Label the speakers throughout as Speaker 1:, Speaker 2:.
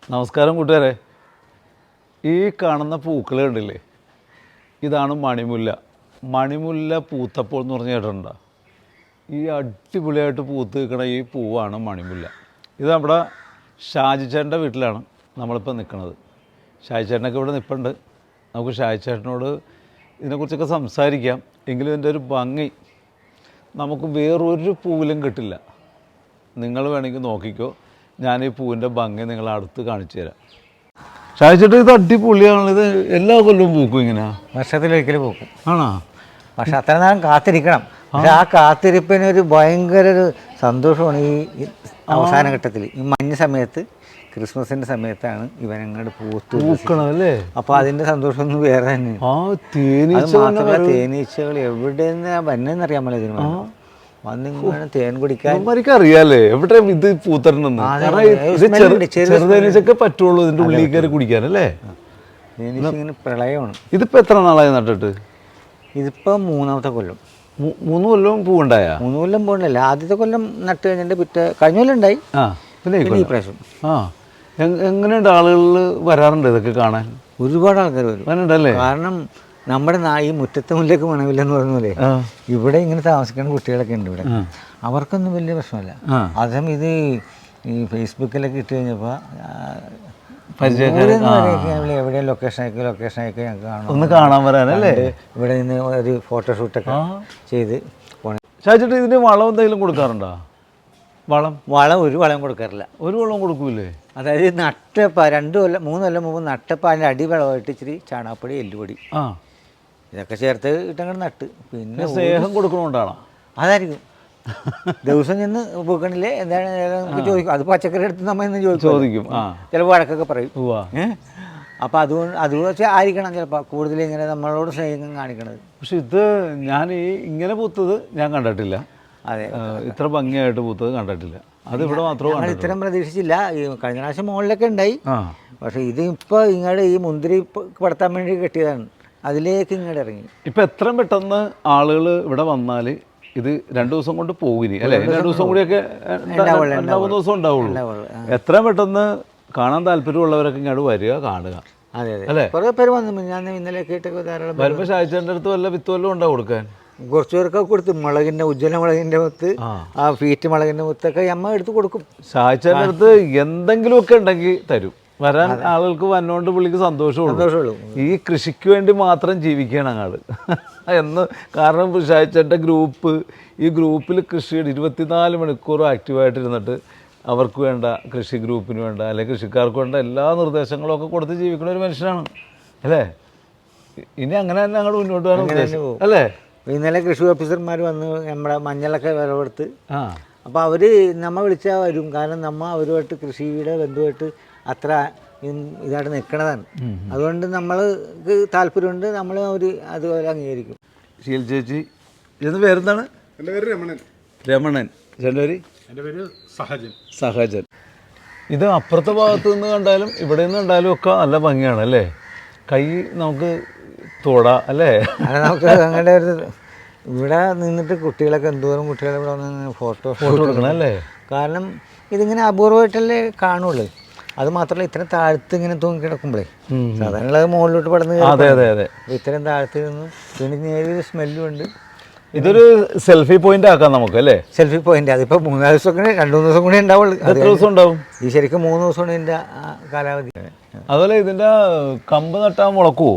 Speaker 1: നമസ്കാരം കൂട്ടുകാരെ. ഈ കാണുന്ന പൂക്കൾ കണ്ടില്ലേ, ഇതാണ് മണിമുല്ല. മണിമുല്ല പൂത്തപ്പോൾ എന്ന് പറഞ്ഞ് കേട്ടിട്ടുണ്ടോ? ഈ അടിപൊളിയായിട്ട് പൂത്ത് നിൽക്കണ ഈ പൂവാണ് മണിമുല്ല. ഇത് നമ്മുടെ ഷാജിച്ചേട്ടൻ്റെ വീട്ടിലാണ് നമ്മളിപ്പോൾ നിൽക്കുന്നത്. ഷാജിച്ചേട്ടനൊക്കെ ഇവിടെ നിൽപ്പുണ്ട്. നമുക്ക് ഷാജിച്ചേട്ടനോട് ഇതിനെക്കുറിച്ചൊക്കെ സംസാരിക്കാം. എങ്കിലും ഇതിൻ്റെ ഒരു ഭംഗി നമുക്ക് വേറൊരു പൂവിലും കിട്ടില്ല. നിങ്ങൾ വേണമെങ്കിൽ നോക്കിക്കോ, ഞാൻ ഈ പൂവിൻ്റെ ഭംഗി നിങ്ങളെ അടുത്ത് കാണിച്ചു തരാം. ഷാജിച്ചേട്ടൻ ഇത് അടിപൊളിയാണ്. ഇത് എല്ലാ കൊല്ലവും പൂക്കും ഇങ്ങനെ?
Speaker 2: വർഷത്തിലൊരിക്കലും പൂക്കും.
Speaker 1: ആണോ?
Speaker 2: പക്ഷെ അത്ര നേരം കാത്തിരിക്കണം. പക്ഷെ ആ കാത്തിരിപ്പിനൊരു ഭയങ്കര ഒരു സന്തോഷമാണ് ഈ അവസാന ഘട്ടത്തിൽ. ഈ മഞ്ഞ സമയത്ത്, ക്രിസ്മസിൻ്റെ സമയത്താണ് ഇവനങ്ങോട്ട് പൂക്കണല്ലേ. അപ്പോൾ അതിൻ്റെ സന്തോഷമൊന്നും വേറെ തന്നെയാണ്. മാത്രമല്ല, തേനീച്ചകൾ എവിടെ നിന്നാണ് വന്നതെന്നറിയാൻ പറ്റില്ല. ഇതിന് വന്നിങ്ങനെ തേൻ കുടിക്കാൻ
Speaker 1: അറിയാലേ എവിടെ ഇത് പൂത്തരണമെന്ന്. ചെറുതേനീച്ചൊക്കെ പറ്റുള്ളൂ ഇതിൻ്റെ ഉള്ളിൽ കയറി കുടിക്കാനല്ലേ.
Speaker 2: തേനീച്ച ഇങ്ങനെ പ്രളയമാണ്.
Speaker 1: ഇതിപ്പോൾ എത്ര നാളായി നട്ടിട്ട്?
Speaker 2: ഇതിപ്പോൾ മൂന്നാമത്തെ കൊല്ലം.
Speaker 1: 3 കൊല്ലവും പൂവുണ്ടായ?
Speaker 2: 3 കൊല്ലം പൂവുണ്ടല്ല. ആദ്യത്തെ കൊല്ലം നട്ട് കഴിഞ്ഞിട്ട് കഴിഞ്ഞ കൊല്ലം ഉണ്ടായി.
Speaker 1: പിന്നെ ഈ പ്രാവശ്യം എങ്ങനെയുണ്ട്? ആളുകൾ വരാറുണ്ട് ഇതൊക്കെ കാണാൻ?
Speaker 2: ഒരുപാട് ആൾക്കാർ വരും. കാരണം നമ്മുടെ ഈ മുറ്റത്തെ മുല്ലേക്ക് മണമില്ലെന്ന് പറഞ്ഞ പോലെ ഇവിടെ ഇങ്ങനെ താമസിക്കുന്ന കുട്ടികളൊക്കെ ഉണ്ട് ഇവിടെ. അവർക്കൊന്നും വലിയ പ്രശ്നമല്ല. അതും ഇത് ഈ ഫേസ്ബുക്കിലൊക്കെ ഇട്ട് കഴിഞ്ഞപ്പോൾ എവിടെ ലൊക്കേഷനൊക്കെ ഞങ്ങൾക്ക് കാണാം.
Speaker 1: ഒന്ന് കാണാൻ വരാനല്ലേ.
Speaker 2: ഇവിടെ നിന്ന് ഒരു ഫോട്ടോഷൂട്ടൊക്കെ ചെയ്ത് പോണേ.
Speaker 1: ഷാജിച്ചേട്ടാ, ഇതിന് വളം എന്തെങ്കിലും കൊടുക്കാറുണ്ടോ?
Speaker 2: വളം ഒരു വളം കൊടുക്കാറില്ല.
Speaker 1: ഒരു വളം കൊടുക്കൂലേ?
Speaker 2: അതായത് നട്ടപ്പ 2 കൊല്ലം 3 കൊല്ലം മുമ്പ് നട്ടപ്പോൾ അതിൻ്റെ അടിവളമായിട്ട് ഇച്ചിരി ചാണകപ്പൊടി, എല്ലുപൊടി ഇതൊക്കെ ചേർത്ത് ഇട്ടങ്ങോട്ട് നട്ട്. പിന്നെ
Speaker 1: സ്നേഹം കൊടുക്കണോണ്ടാണോ?
Speaker 2: അതായിരിക്കും. ദിവസം ചെന്ന് പൂക്കണില്ലേ എന്താണ് നമുക്ക് ചോദിക്കും. അത് പച്ചക്കറി എടുത്ത് നമ്മൾ ഇന്ന് ചോദിക്കും. ചിലപ്പോൾ വഴക്കൊക്കെ പറയും. അപ്പോൾ അത് വെച്ച് ആയിരിക്കണം ചിലപ്പോൾ കൂടുതൽ ഇങ്ങനെ നമ്മളോട് സ്നേഹം കാണിക്കണത്.
Speaker 1: പക്ഷെ ഇത് ഞാൻ ഇങ്ങനെ പൂത്തത് ഞാൻ കണ്ടിട്ടില്ല.
Speaker 2: അതെ,
Speaker 1: ഇത്ര ഭംഗിയായിട്ട് പൂത്തത് കണ്ടിട്ടില്ല. അത് ഇവിടെ മാത്രമേ
Speaker 2: ഇത്രയും പ്രതീക്ഷിച്ചില്ല. ഈ കഴിഞ്ഞ പ്രാവശ്യം മുകളിലൊക്കെ ഉണ്ടായി. പക്ഷേ ഇത് ഇപ്പോൾ ഇങ്ങോട്ട് ഈ മുന്തിരി പടത്താൻ വേണ്ടി കെട്ടിയതാണ്. അതിലേക്ക് ഇങ്ങോട്ട് ഇറങ്ങി.
Speaker 1: ഇപ്പം എത്രയും പെട്ടെന്ന് ആളുകൾ ഇവിടെ വന്നാൽ ഇത് 2 ദിവസം കൊണ്ട് പോകിനി അല്ലേ? 2 ദിവസം കൂടിയൊക്കെ 2-3 ദിവസം ഉണ്ടാവുള്ളൂ. എത്രയും പെട്ടെന്ന് കാണാൻ താല്പര്യമുള്ളവരൊക്കെ ഇങ്ങോട്ട് വരിക, കാണുക.
Speaker 2: അതെ അല്ലേ. കുറേ പേര് വന്നു. ഞാൻ ഇന്നലെ കേട്ടൊക്കെ ധാരാളം
Speaker 1: വരുമ്പോൾ ഷാജിച്ചേട്ടൻ്റെ അടുത്ത് വല്ല വിത്ത് വല്ലതും ഉണ്ടാവും കൊടുക്കാൻ?
Speaker 2: കുറച്ച് പേർക്കൊക്കെ കൊടുത്തു. മുളകിൻ്റെ ഉജ്ജ്വല മുളകിൻ്റെ മുത്ത്, ആ ഫീറ്റ് മുളകിൻ്റെ മുത്തൊക്കെ അമ്മ എടുത്ത് കൊടുക്കും.
Speaker 1: ഷാജിച്ചേട്ടൻ്റെ അടുത്ത് എന്തെങ്കിലുമൊക്കെ ഉണ്ടെങ്കിൽ തരും. വരാൻ ആളുകൾക്ക് വന്നോണ്ട് പുള്ളിക്ക് സന്തോഷമുള്ളൂ. ഈ കൃഷിക്ക് വേണ്ടി മാത്രം ജീവിക്കുകയാണ് അങ്ങാട് എന്ന്. കാരണം ഷാജിച്ചേട്ടൻ്റെ ഗ്രൂപ്പ്, ഈ ഗ്രൂപ്പിൽ കൃഷിയുടെ 24 മണിക്കൂറും ആക്റ്റീവായിട്ടിരുന്നിട്ട് അവർക്ക് വേണ്ട, കൃഷി ഗ്രൂപ്പിന് വേണ്ട അല്ലെങ്കിൽ കൃഷിക്കാർക്ക് വേണ്ട എല്ലാ നിർദ്ദേശങ്ങളും ഒക്കെ കൊടുത്ത് ജീവിക്കുന്ന ഒരു മനുഷ്യനാണ് അല്ലേ. ഇനി അങ്ങനെ തന്നെ അങ്ങോട്ട് മുന്നോട്ട് പോകാൻ അല്ലേ.
Speaker 2: ഇന്നലെ കൃഷി ഓഫീസർമാർ വന്ന് നമ്മുടെ മഞ്ഞളൊക്കെ വിളവെടുത്ത്. അപ്പോൾ അവർ നമ്മ വിളിച്ചാൽ വരും. കാരണം നമ്മ അവരുമായിട്ട് കൃഷിയുടെ ബന്ധുവായിട്ട് അത്ര ഇതായിട്ട് നിൽക്കണതാണ്. അതുകൊണ്ട് നമ്മൾക്ക് താല്പര്യമുണ്ട്. നമ്മൾ അതുപോലെ അംഗീകരിക്കും.
Speaker 1: ശീൽ ചേച്ചി, ഇതിന് പേരെന്താണ്?
Speaker 3: എൻ്റെ പേര് രമണൻ.
Speaker 1: രമണൻ. ചേട്ടൻ്റെ പേര്?
Speaker 3: എൻ്റെ പേര് സഹജൻ.
Speaker 1: സഹജൻ. ഇത് അപ്പുറത്തെ ഭാഗത്ത് നിന്ന് കണ്ടാലും ഇവിടെ നിന്ന് കണ്ടാലും ഒക്കെ നല്ല ഭംഗിയാണ് അല്ലേ. കൈ നമുക്ക് തൊടാ അല്ലേ.
Speaker 2: നമുക്ക് അങ്ങനെ ഒരു ഇവിടെ നിന്നിട്ട് കുട്ടികളൊക്കെ എന്തോരം കുട്ടികളെ ഇവിടെ വന്ന് ഫോട്ടോ
Speaker 1: എടുക്കണം അല്ലേ.
Speaker 2: കാരണം ഇതിങ്ങനെ അപൂർവമായിട്ടല്ലേ കാണുള്ളൂ. അത് മാത്രമല്ല ഇത്രയും താഴ്ത്ത് ഇങ്ങനെ തൂങ്ങി കിടക്കുമ്പോഴേ സാധാരണ മുകളിലോട്ട് പടന്ന്.
Speaker 1: അതെ അതെ അതെ.
Speaker 2: ഇത്രയും താഴ്ത്ത് നിന്നും പിന്നെ നേരിയൊരു സ്മെല്ലും ഉണ്ട്.
Speaker 1: ഇതൊരു സെൽഫി പോയിന്റ് ആക്കാം നമുക്ക് അല്ലേ.
Speaker 2: Selfie point. അതിപ്പോൾ 3 ദിവസം കൂടി 2-3 ദിവസം കൂടി ഉണ്ടാവുള്ളൂ.
Speaker 1: എത്ര ദിവസം ഉണ്ടാവും?
Speaker 2: ഈ ശരിക്കും 3 ദിവസമാണ് ഇതിൻ്റെ കാലാവധി.
Speaker 1: അതുപോലെ ഇതിൻ്റെ കമ്പ് നട്ടാൽ മുളക്കുമോ?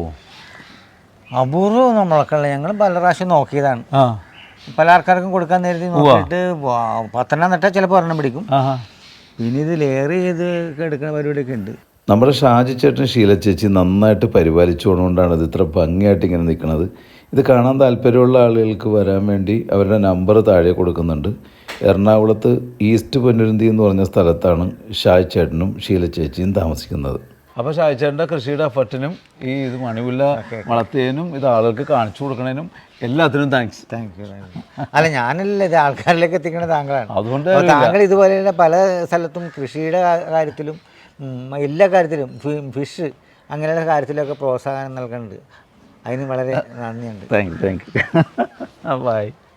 Speaker 2: അപൂർവം മുളക്കല്ല. ഞങ്ങൾ പല പ്രാവശ്യം നോക്കിയതാണ്. പല ആൾക്കാർക്കും കൊടുക്കാൻ നേരത്തെ നോക്കിയിട്ട് 10 നട്ടാൽ ചിലപ്പോൾ 1 പിടിക്കും. പിന്നെ ഇത് ലെയർ ചെയ്ത് എടുക്കുന്ന പരിപാടിയൊക്കെ ഉണ്ട്.
Speaker 4: നമ്മുടെ ഷാജിച്ചേട്ടൻ ശീലച്ചേച്ചി നന്നായിട്ട് പരിപാലിച്ചു കൊണ്ടുകൊണ്ടാണ് ഇത് ഇത്ര ഭംഗിയായിട്ട് ഇങ്ങനെ നിൽക്കുന്നത്. ഇത് കാണാൻ താല്പര്യമുള്ള ആളുകൾക്ക് വരാൻ വേണ്ടി അവരുടെ നമ്പർ താഴെ കൊടുക്കുന്നുണ്ട്. എറണാകുളത്ത് ഈസ്റ്റ് പൊന്നുരുന്തി എന്ന് പറഞ്ഞ സ്ഥലത്താണ് ഷാജിച്ചേട്ടനും ശീലച്ചേച്ചിയും താമസിക്കുന്നത്.
Speaker 1: അപ്പോൾ ഷാജിച്ചേട്ടൻ്റെ കൃഷിയുടെ എഫർട്ടിനും ഈ ഇത് മണിമുല്ല വളർത്തിയതിനും ഇത് ആളുകൾക്ക് കാണിച്ചു കൊടുക്കുന്നതിനും എല്ലാത്തിനും താങ്ക്സ്.
Speaker 2: Thank you. അല്ല, ഞാനല്ല ഇത് ആൾക്കാരിലേക്ക് എത്തിക്കുന്നത് താങ്കളാണ്.
Speaker 1: അതുകൊണ്ട്
Speaker 2: താങ്കൾ ഇതുപോലെയുള്ള പല സ്ഥലത്തും കൃഷിയുടെ കാര്യത്തിലും എല്ലാ കാര്യത്തിലും ഫിഷ് അങ്ങനെയുള്ള കാര്യത്തിലൊക്കെ പ്രോത്സാഹനം നൽകുന്നുണ്ട്. അതിന് വളരെ നന്ദിയുണ്ട്.
Speaker 1: Thank you. ബൈ.